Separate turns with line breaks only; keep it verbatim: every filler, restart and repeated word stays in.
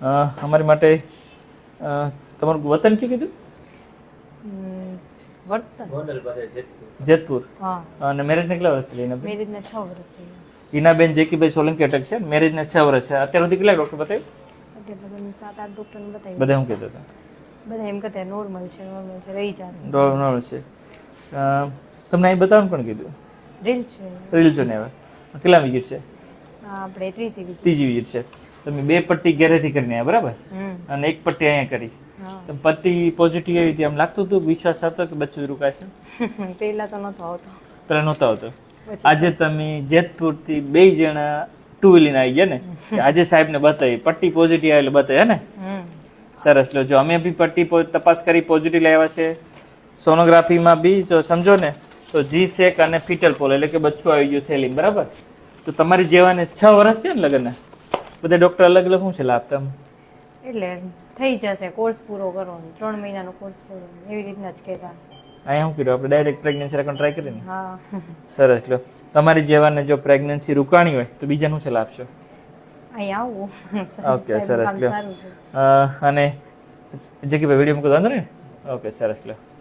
અમારી માટે તમારું વતન કયું કીધું? જેતપુર. અને મેરેજને કેટલા વર્ષ થયા?
મેરેજને છ વર્ષ થયા.
હિનાબેન જેકીભાઈ સોલંકી અટક છે. મેરેજને છ વર્ષ છે. અત્યાર સુધી કેટલા ડૉક્ટર બતાવ્યું?
અત્યારે સાત આઠ ડૉક્ટરને બતાવ્યું.
બધા શું કહેતા હતા?
બધા એમ કહેતા નોર્મલ છે, નોર્મલ છે, રહી જશે.
નોર્મલ છે. તમને અહીં બતાવવાનું પણ કીધું?
રીલ છે.
રીલ જો ને હવે કેટલા વિઝિટ છે?
આપણે ત્રીજી વિઝિટ.
ત્રીજી વિઝિટ છે. તમે બે પટ્ટી ઘરેથી કરીને આવ્યા બરાબર? અને એક પટ્ટી અહીંયા કરી. તમે પટ્ટી પોઝિટિવ આવી હતી, આમ લાગતું હતું? વિશ્વાસ આવતો કે બચ્ચું રોકાશે?
પહેલા તો નહોતો આવતો.
પહેલા નહોતો આવતો. આજે તમે જેતપુરથી બે જણા ટુ વ્હીલર આવી ગયા ને, આજે સાહેબને બતાવી પટ્ટી પોઝિટિવ આવે એટલે બતાવી હે ને? સરસ. લો જો અમે બી પટ્ટી તપાસ કરી, પોઝિટિવ લાવ્યા છે. સોનોગ્રાફીમાં બી જો સમજો ને તો જી સેક અને ફિટલ પોલ એટલે કે બચ્ચું આવી ગયું થેલી બરાબર. તો તમારી જેવાને છ વર્ષ થયા ને લગ્નના, બધા ડૉક્ટર અલગ અલગ શું છે લાભ તમે?
એટલે થઈ જશે, કોર્સ પૂરો કરવાનો, ત્રણ મહિનાનો કોર્સ કરવાનો, એવી રીતના જ કહેતા.
અહીંયા શું કર્યું આપણે? ડાયરેક્ટ પ્રેગ્નન્સી રાખવાનું ટ્રાય કરીને.
હા
સરસ. લો તમારી જેવાને જો પ્રેગ્નન્સી રૂકાણી હોય તો બીજા શું સલાહ આપશો?
અહીંયા આવું.
ઓકે સરસ. લો અને જે કે વિડીયો મૂકો વાંધો ને? ઓકે સરસ. લો